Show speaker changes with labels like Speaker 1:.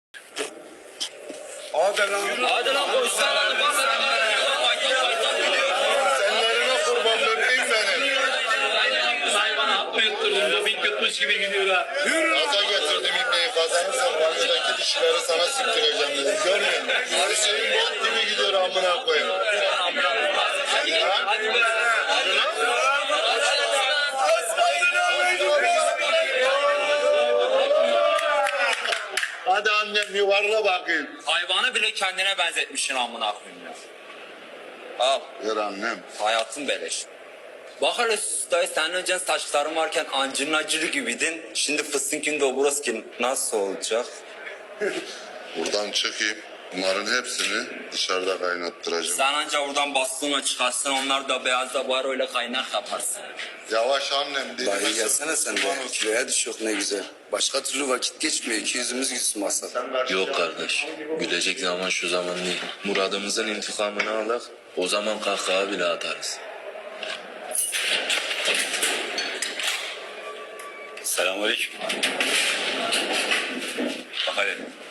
Speaker 1: Hadi lan koşsana lan.
Speaker 2: Senlerine kurban bebeğim benim.
Speaker 1: Hayvan hapı yutturdum. Doping yutmuş gibi gidiyor ha.
Speaker 2: Gaza getirdim ipneyi. Kazanırsam banyodaki dişileri sana siktireceğim dedim. Görmüyor musun? Her şeyin bok gibi gidiyor amına koyayım.
Speaker 1: Hadi be.
Speaker 2: Hadi annem yuvarla bakayım.
Speaker 1: Hayvanı bile kendine benzetmişsin amına koyayım ya. Al.
Speaker 2: Ver annem.
Speaker 1: Hayatın beleş. Bak hele dayı, senin önce saçların varken Angelina Acırı gibiydin. Şimdi fıstınkinde o burası ki nasıl olacak?
Speaker 2: Buradan çıkayım. Bunların hepsini dışarıda kaynattıracağım.
Speaker 1: Sen anca oradan bastığına çıkarsın, onlar da beyaz da var öyle kaynak yaparsın.
Speaker 2: Yavaş annem.
Speaker 3: Dayı gelsene sen de. Kiloya düş yok ne güzel. Başka türlü vakit geçmiyor. İki yüzümüz gülsün masada.
Speaker 4: Yok kardeş. Gülecek zaman şu zaman değil. Muradımızın intikamını alak. O zaman kahkaha bile atarız.
Speaker 1: Selamünaleyküm. Bak hele.